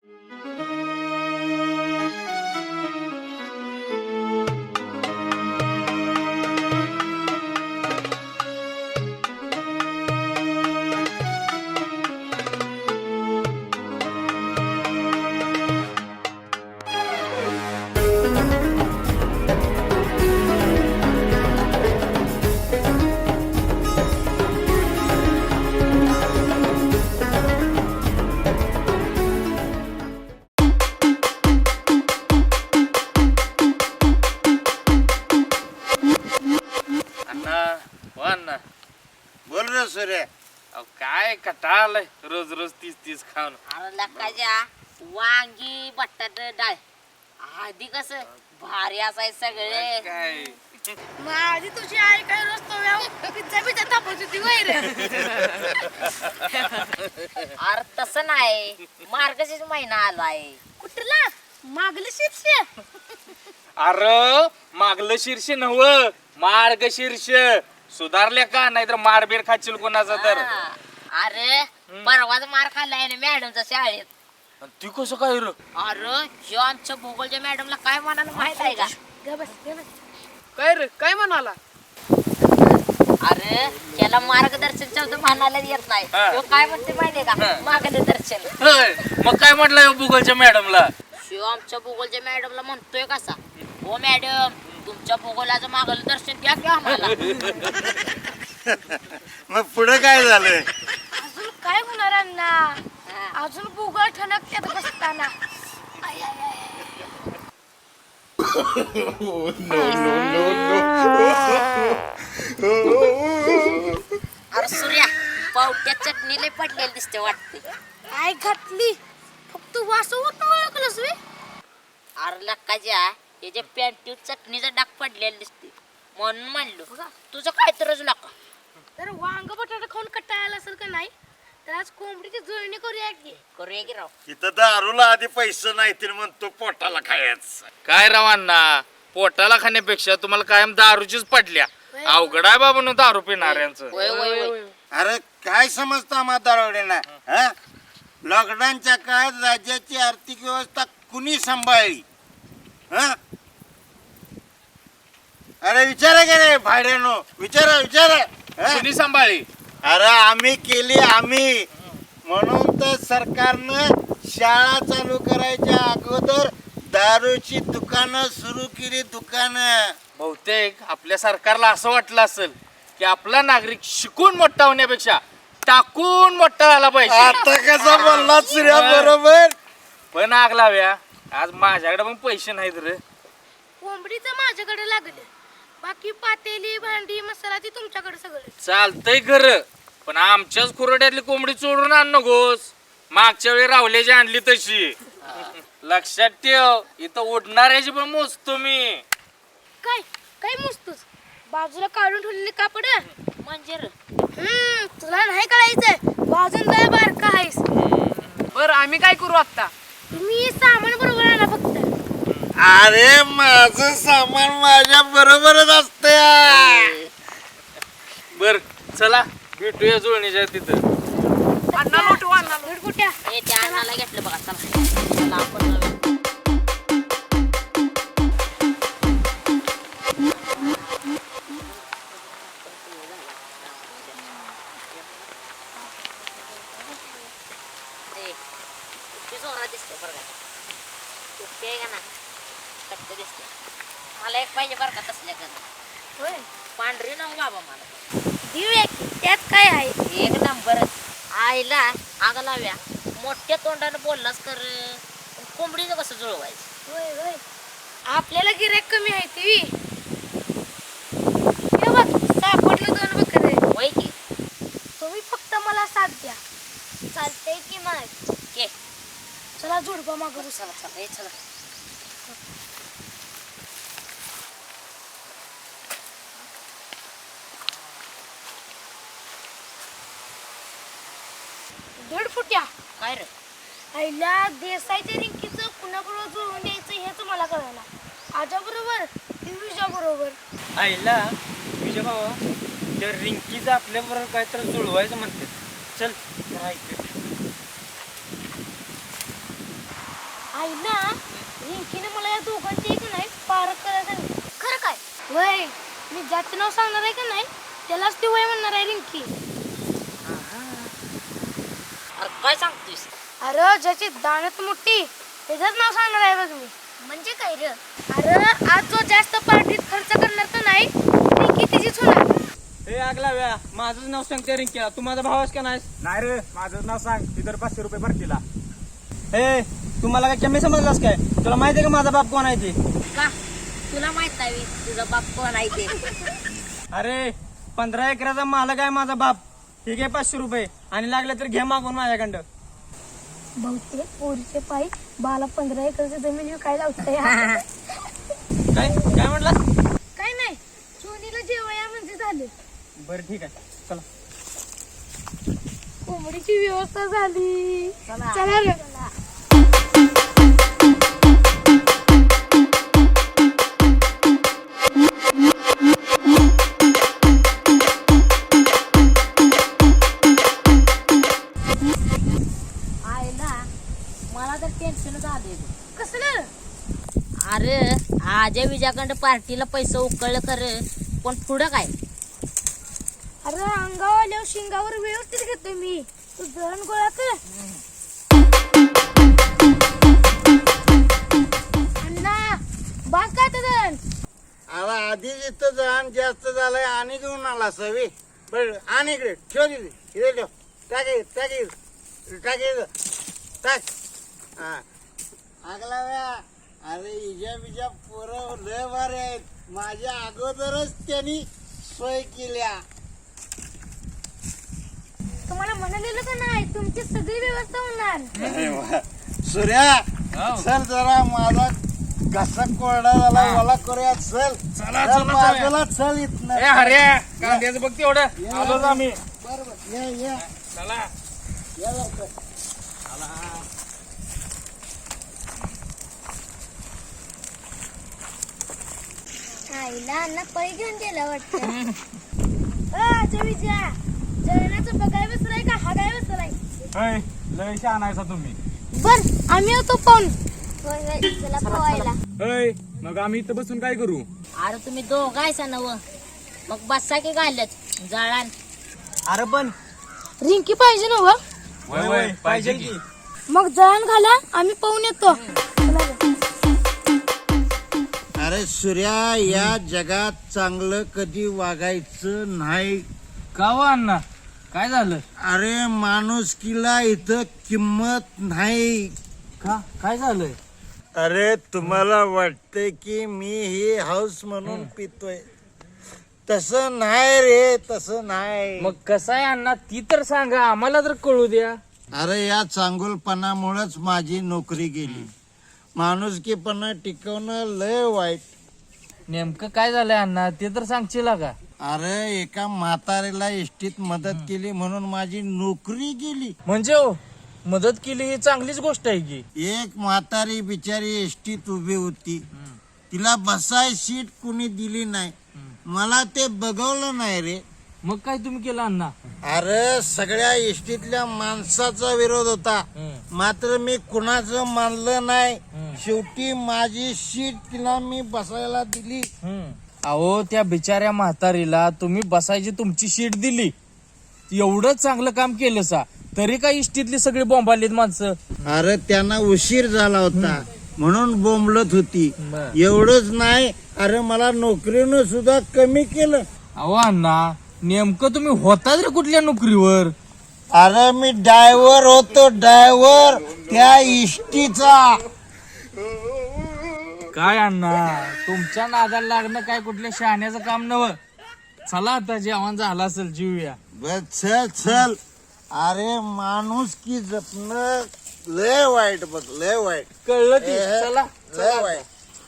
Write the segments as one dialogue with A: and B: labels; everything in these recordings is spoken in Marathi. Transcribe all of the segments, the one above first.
A: बोल रे सूर्य.
B: काय कटाळलंय रोज रोज तीच तीच खाऊन.
C: अरे लकाच्या वांगी बटाटे डाळ आधी कस भारी असाय सगळे.
B: काय
D: माझी तुझी आई काय रोज तो पिझ्झा पिझ्झा तापवत होती वैर.
C: अरे तसं नाही, मार्गशीर्ष महिना आलाय.
D: कुठला मागलं शीर्ष?
B: अरे मागलं शीर्ष नव मार्गशीर्ष सुधारले का नाहीतर मारबीर खाशील कोणाचा तर.
C: अरे परवाच मार खाल्लाय ना मॅडमच्या शाळेत.
B: ती कसं काय रे?
C: अरे ह्यो आमच्या भूगोलच्या मॅडमला काय म्हणाला माहित आहे का?
D: काय रे काय म्हणाला?
C: अरे त्याला मार्गदर्शन शब्द म्हणायला येत नाही. ह्यो काय म्हणते माहितीये का? मार्गदर्शन.
B: होय, मग काय म्हटलं भूगोलच्या मॅडमला?
C: ह्यो आमच्या भूगोलच्या मॅडमला म्हणतोय कसा, हो मॅडम तुमच्या भूगोलाचं मार्गदर्शन द्या की आम्हाला.
A: मग पुढे काय झालं?
D: अजून काय होणार अण्णा? अजून भूगोल ठणकत्यात बसताना.
C: अरे सूर्या पावट्या चटणी लय पडलेली दिसते वाटते.
D: काय घातली फक्त वास होत ओळखलंस वे.
C: अरे लक्काच्या त्याच्या पॅन्टीवर चटणीचा डाग पडलेला दिसते म्हणून म्हणलो तुझं काय तरच लका.
D: तर वांग बटाटा खाऊन कटाळाला असेल का नाही, तर आज कोंबडीची जुळणी करूया की.
C: करूया की राव.
A: इथं दारूला आधी पैसे नाही म्हणतो पोटाला खायचं.
B: काय रावांना पोटाला खाण्यापेक्षा तुम्हाला कायम दारूचीच पडल्या. अवघड आहे बाबा दारू पिणाऱ्यांचं.
C: होय होय होय.
A: अरे काय समजतं आम्हा दारोडेना? लॉकडाऊनच्या काळात राज्याची आर्थिक व्यवस्था कुणी सांभाळली? अरे विचारा का रे भाड्यानो, विचारा विचारा.
B: कुणी सांभाळी?
A: अरे आम्ही केली आम्ही. म्हणून तर सरकारनं शाळा चालू करायच्या अगोदर दारूची दुकानं सुरू केली. दुकानं
B: बहुतेक आपल्या सरकारला असं वाटलं असेल की आपला नागरिक शिकून मोठा होण्यापेक्षा टाकून मोठा झाला पाहिजे.
A: आता कसा बोलला सूर्या बरोबर.
B: पण आग लाव्या आज माझ्याकडे पण पैसे नाहीत रे.
D: कोंबडीचं माझ्याकडे लागले, बाकी पातेली भांडी मसाला ती तुमच्याकडे सगळं.
B: चालतंय खरं, पण आमच्याच खुरड्यातली कोंबडी चोरून आण नकोस. मागच्या वेळी रावल्याची आणली तशी. लक्षात ठेव, इथं उडणाऱ्याची पण मोजतो मी.
D: काय काय मोजतोस? बाजूला काढून ठेवलेले कापड
C: म्हणजे रे.
D: तुला नाही कळायचंय, वाजून जाय बारका आहेस.
E: बर आम्ही काय करू आता?
D: तुम्ही सामान बरोबर आणा फक्त.
A: अरे माझं सामान माझ्या बरोबरच असतं.
B: बर चला भेटूया जुळणीच्या तिथं.
E: अण्णा मोठू अण्णा
D: कुठ्या
C: हे त्या अन्नाला घेतलं बघा. चला चला आपण जाऊया. ए, किती जोरात दिसते बरं का? कुठे आहे का ना कट्ट दिसते. मला एक पाहिजे बरं का तसल्या का.
D: होय
C: पांढरी ना बाबा मला.
D: देऊया की, त्यात काय आहे?
C: एक नंबर आईला आग लाव्या मोठ्या तोंडाने बोललास कर. कोंबडीचं कसं जुळवायचं?
D: होय होय आपल्याला गिऱ्हाईक कमी आहे ती. हे बघ सापडलं 2 बकरे.
C: होय की.
D: तुम्ही फक्त मला साथ द्या. चालतंय की मग.
C: के
D: चला जोडपा मागू.
C: चला चला हे चला.
D: दीड फुट्या.
C: काय रे?
D: आईला देसाईच्या रिंकीचं कुणाबरोबर जुळवून द्यायचं हेच मला कळलं. आजा बरोबर की विजा बरोबर?
F: आईला विजय भावा त्या रिंकीचं आपल्याबरोबर काय तर जुळवायचं म्हणते. चल जरा ऐक.
D: आईला रिंकीने मला या दोघांची एक नाही पारख करायला सांगितलं.
C: खरं काय?
D: वय मी ज्याचं नाव सांगणार आहे का नाही त्यालाच ती वय म्हणणार आहे रिंकी.
C: अरे काय सांगतोयस?
D: अरे ज्याची दाणत मोठी त्याचंच नाव सांगणार आहे बघ मी.
C: म्हणजे काय रे?
D: अरे आज जो जास्त पार्टीत खर्च करणार तर नाही रिंकी तिचीच होणार.
F: हे आगला व्या माझंच नाव सांगते रिंकीला. तू माझा भावाच का नाहीस?
G: नाही रे माझं नाव सांग इतर 500 रुपये भरतीला.
F: हे तू मला काय कमी समजलास काय? तुला माहिती आहे का माझा बाप कोण आहे ते?
C: का तुला माहित नाही तुझा बाप कोण आहे ते?
F: अरे 15 एकराचा मालक आहे माझा बाप. हे घे 500 रुपये आणि लागले तर घे मागून माझ्याकडं.
D: बहुतेक पोरीचे पायी बाला 15 एकरची जमीन विकायला होते.
F: काय काय म्हटलास?
D: काय नाही सोनीला जेवया म्हणजे झाले.
F: बरं ठीक आहे चला.
D: कोंबडीची व्यवस्था झाली. चला रे.
C: आईला मला तर टेन्शनच आले.
D: कसलं?
C: अरे आजय विजयाकडं पार्टीला पैसे उकळलं खरं पण पुढं काय?
D: अरे अंगावर आल्यावर शिंगावर व्यवस्थित घेतो मी. तू जण गोळा कर. अण्णा बास काय तर जण.
A: अरे आधीच इथं जण जास्त झालंय आणि घेऊन आला सवी. बर आणि इकडे ठेव तिथे इथे ठेव. टाक हा आगला व्या. अरे इजा बिजा पोरं लय भारी आहेत. माझ्या अगोदरच त्यांनी सोय केल्या.
D: तुम्हाला म्हणालेलं का नाही तुमची सगळी व्यवस्था होणार.
A: अरे वा. सूर्या चल जरा माझा घसा कोरडा झाला मला करूया. चल चल बाजूला चल इथनं.
B: हऱ्या कांद्याचं बघ तेवढं आलोच आम्ही.
A: बरोबर ये
B: चला
A: ये लवकर.
D: आईला अण्णा पै घेऊन गेला वाटतं. अच्छा विजया जेवणाचं बघाय बसलाय का हा काय बसलाय?
G: लय शहाणा आहेसा तुम्ही.
D: बर आम्ही होतो पाहून. चला पोहायला.
G: मग आम्ही इथं बसून काय करू?
C: अरे तुम्ही दोघं आहेसा नव मग बसा की घालत जळान.
F: अरे पण
D: रिंकी पाहिजे ना व.
G: वय
F: पाहिजे की.
D: मग जळण घाला आम्ही पाहून येतो.
A: अरे सूर्या या जगात चांगलं कधी वागायचं नाही.
B: का हो अण्णा काय झालं?
A: अरे माणुसकीला इथं किंमत नाही.
B: का काय झालंय?
A: अरे तुम्हाला वाटतंय की मी ही हाऊस म्हणून पितोय. तसं नाही रे तसं नाही.
B: मग कसं आहे अण्णा ती तर सांगा आम्हाला तर कळू द्या.
A: अरे या चांगुलपणामुळेच माझी नोकरी गेली. माणुसकीपणा टिकवणं लय वाईट.
B: नेमकं काय झालंय अण्णा ते तर सांगशील का?
A: अरे एका म्हातारीला एसटीत मदत केली म्हणून माझी नोकरी गेली.
B: म्हणजे हो मदत केली ही चांगलीच गोष्ट आहे की.
A: एक म्हातारी बिचारी एसटीत उभी होती. तिला बसाय सीट कुणी दिली नाही. मला ते बघवलं नाही रे.
B: मग काय तुम्ही केलं अण्णा?
A: अरे सगळ्या एसटीतल्या माणसाचा विरोध होता. मात्र मी कुणाचं मानलं नाही. शेवटी माझी सीट तिला मी बसायला दिली.
B: अहो त्या बिचाऱ्या म्हातारीला तुम्ही बसायची तुमची सीट दिली. एवढं चांगलं काम केलं सा तरी काय इष्टीतली सगळी बोंबालीत माणसं.
A: अरे त्यांना उशीर झाला होता म्हणून बोंबलत होती.
B: बर.
A: एवढंच नाही अरे मला नोकरीनं सुद्धा कमी केलं.
B: अहो अण्णा नेमकं तुम्ही होता रे कुठल्या नोकरीवर?
A: अरे मी ड्रायव्हर होतो. ड्रायव्हर त्या इष्टीचा.
B: काय अण्णा तुमच्या नादाला लागणं काय कुठल्या शहाण्याचं काम नव्ह. चला आता जेवण झालं असेल जीवया.
A: बस चल. अरे माणूस की जपणं लय वाईट बघ लय वाईट.
B: कळलं की
A: हे,
B: चला
A: लय वाईट.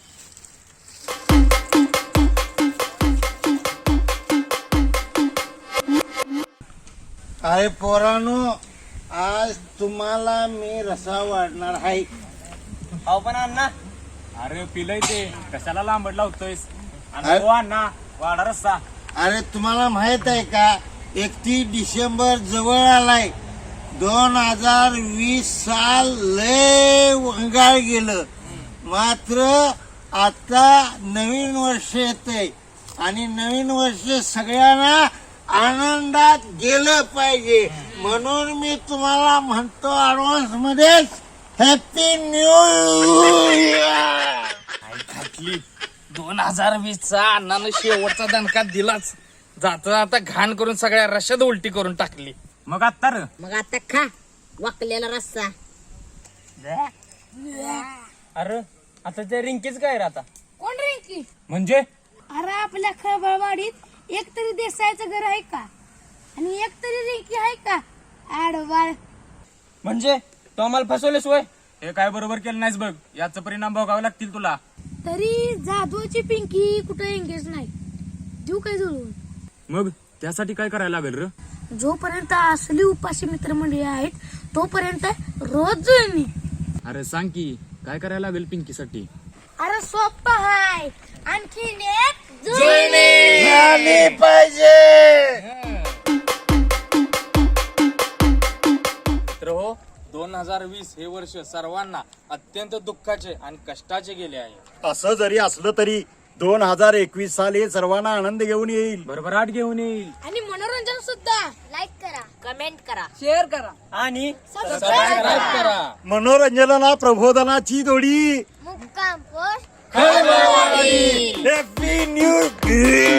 A: अरे पोरानो आज तुम्हाला मी रसा वाढणार आहे.
F: अहो पण अण्णा
G: अरे पिलय ते कशाला लांबड लावतोयस?
A: अरे.
G: आणि हो अण्णा वाडा रस्ता.
A: अरे तुम्हाला माहित आहे का 31 डिसेंबर जवळ आलाय. 2020 साल लय वंगाळ गेलं. मात्र आता नवीन वर्ष येतंय आणि नवीन वर्ष सगळ्यांना आनंदात गेलं पाहिजे. म्हणून मी तुम्हाला म्हणतो ऍडव्हान्स मध्येच हॅपी न्यू इयर.
B: 2020 चा अण्णानं शेवटचा दणका दिलाच. जाता जाता घाण करून सगळ्या रश्यात उलटी करून टाकली.
G: मग आत्ता र
C: मग आता खा वाकलेला रस्सा.
F: अरे आता त्या रिंकीच काय रे आता?
D: कोण रिंकी?
G: म्हणजे
D: अरे आपल्या खळबळवाडीत एक तरी देसायचं घर आहे का? आणि एक तरी रिंकी आहे का? आडवाळ.
F: म्हणजे तो आम्हाला फसवलेस वय?
G: हे काय बरोबर केलं नाहीस बघ. याचा परिणाम भोगावे लागतील तुला.
D: तरी जादूची पिंकी कुठे एंगेज नाही. देऊ काय जुळवून?
G: मग त्यासाठी काय करायला लागेल र?
D: जोपर्यंत असली उपाशी मित्रमंडळी आहेत तोपर्यंत रोज जुळणी.
G: अरे सांग की काय करायला लागेल पिंकीसाठी?
D: अरे सोप्पा हाय. आणखीन एक
A: झाली पाहिजे.
B: तर हो 2020 हे वर्ष सर्वांना अत्यंत दुःखाचे आणि कष्टाचे गेले आहे.
H: असं जरी असलं तरी 2021 साल हे सर्वांना आनंद घेऊन येईल.
G: भरभराट घेऊन येईल.
D: आणि मनोरंजन सुद्धा. लाईक करा,
C: कमेंट करा.
E: शेअर करा.
F: आणि
B: सबस्क्राईब करा.
H: मनोरंजनाला प्रबोधनाची जोडी.
D: मुक्काम पोस्ट.
A: Happy new year.